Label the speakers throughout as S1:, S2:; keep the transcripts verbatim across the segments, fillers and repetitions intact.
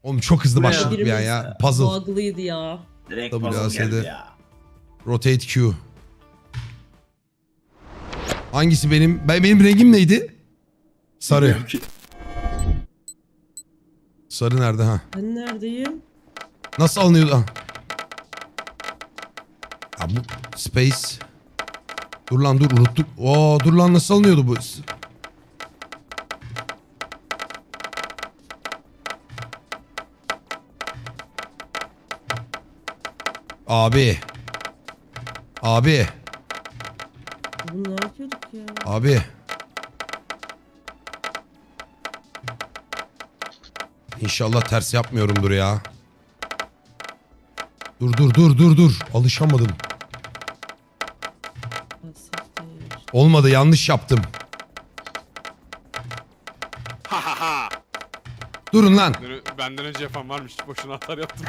S1: Oğlum çok hızlı
S2: Bu ne
S1: başladık
S2: ya?
S1: bir an ya. Puzzle.
S2: Bug'lıydı ya.
S3: Direkt
S1: Tabii
S3: puzzle
S1: ya,
S3: geldi
S1: şeyde-
S3: ya.
S1: Rotate Q. Hangisi benim? Ben, benim rengim neydi? Sarı.
S3: Bilmiyorum ki.
S1: Sarı nerede ha?
S2: Ben neredeyim?
S1: Nasıl alınıyordu? Ha. Ya bu space. Dur lan dur unuttuk. Oo dur lan nasıl alınıyordu bu? Abi. Abi.
S2: Bunu ne yapıyorduk ya?
S1: Abi. İnşallah ters yapmıyorumdur ya. Dur dur dur dur dur. Alışamadım.
S2: Siktir.
S1: Olmadı yanlış yaptım.
S4: Ha ha ha.
S1: Durun lan.
S4: Benden- Benden önce yapan varmış. Boşuna atar yaptım.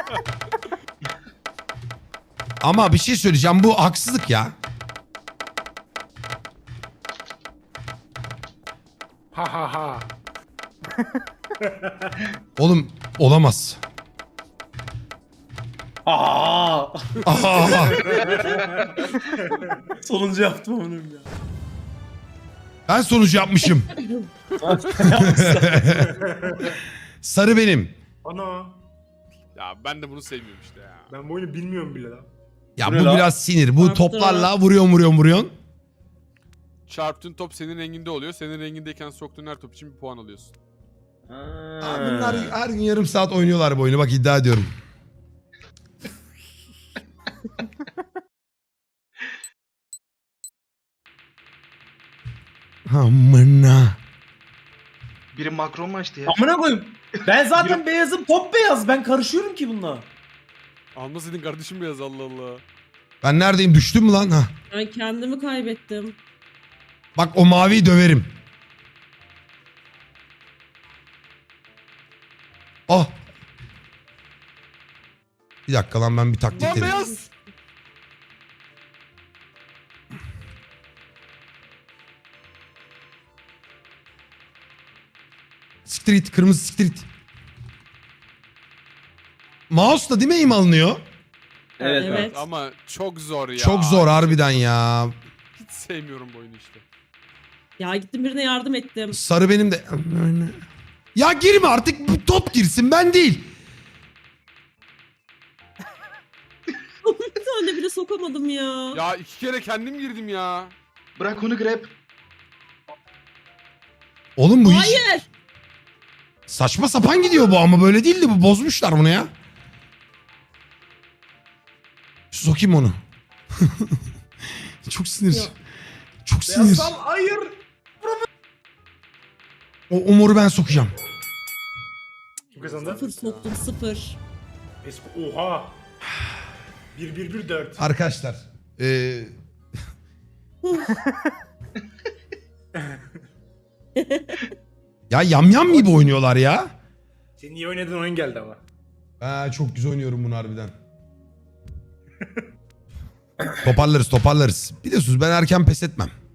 S1: Ama bir şey söyleyeceğim bu haksızlık ya.
S5: Ha ha ha.
S1: Oğlum olamaz.
S3: Aa!
S1: Aa,
S3: Sonuncu yaptım onu ya.
S1: ben sonucu yapmışım. Sarı benim.
S5: Ana.
S4: Ya ben de bunu sevmiyorum işte ya.
S5: Ben bu oyunu bilmiyorum bile lan.
S1: Ya
S3: Bu
S1: bu
S3: ne lan?
S1: biraz sinir. Bu
S2: Arttı.
S1: toplarla vuruyorsun vuruyorsun vuruyorsun.
S4: Çarptığın top senin renginde oluyor. Senin rengindeyken soktuğun her top için bir puan alıyorsun.
S1: Aa, bunlar her gün yarım saat oynuyorlar bu oyunu. Bak iddia ediyorum. Amına.
S6: Biri makro mu açtı ya?
S3: Amına koyayım. Ben zaten beyazım, top beyaz. Ben karışıyorum ki bununla.
S4: Almasaydın kardeşim beyaz Allah Allah.
S1: Ben neredeyim? Düştüm mü lan? Ha.
S2: Ben kendimi kaybettim.
S1: Bak o maviyi döverim. Ah. Bir dakika lan ben bir taktik
S4: Lan
S1: dedim.
S4: beyaz.
S1: Siktir git. Kırmızı siktir git. Mouse'la değil mi aim alınıyor?
S3: Evet.
S2: Evet.
S4: Evet ama çok zor ya.
S1: Çok zor harbiden ya.
S4: Hiç sevmiyorum bu oyunu işte.
S2: Ya gittim birine yardım ettim.
S1: Sarı benim de. Ya girme artık bu top girsin ben değil.
S2: Bir tane bile sokamadım ya.
S4: Ya iki kere kendim girdim ya.
S6: Bırak onu grab.
S1: Oğlum bu hiç
S2: Hayır.
S1: saçma sapan gidiyor bu ama böyle değildi bu. Bozmuşlar bunu ya. Sokayım onu. Çok sinir.
S2: Yok.
S1: Çok sinir.
S5: Beyazsam hayır.
S1: O, o moru ben sokacağım.
S5: Kim kazandı?
S2: Sıfır soktum sıfır.
S5: Esko. Oha. bir bir bir dört.
S1: Arkadaşlar. Eee... ya yamyam gibi oynuyorlar ya.
S5: Senin iyi oynadığın oyun geldi ama.
S1: Ha, çok güzel oynuyorum bunu harbiden. toparlarız toparlarız. Biliyorsunuz ben erken pes etmem.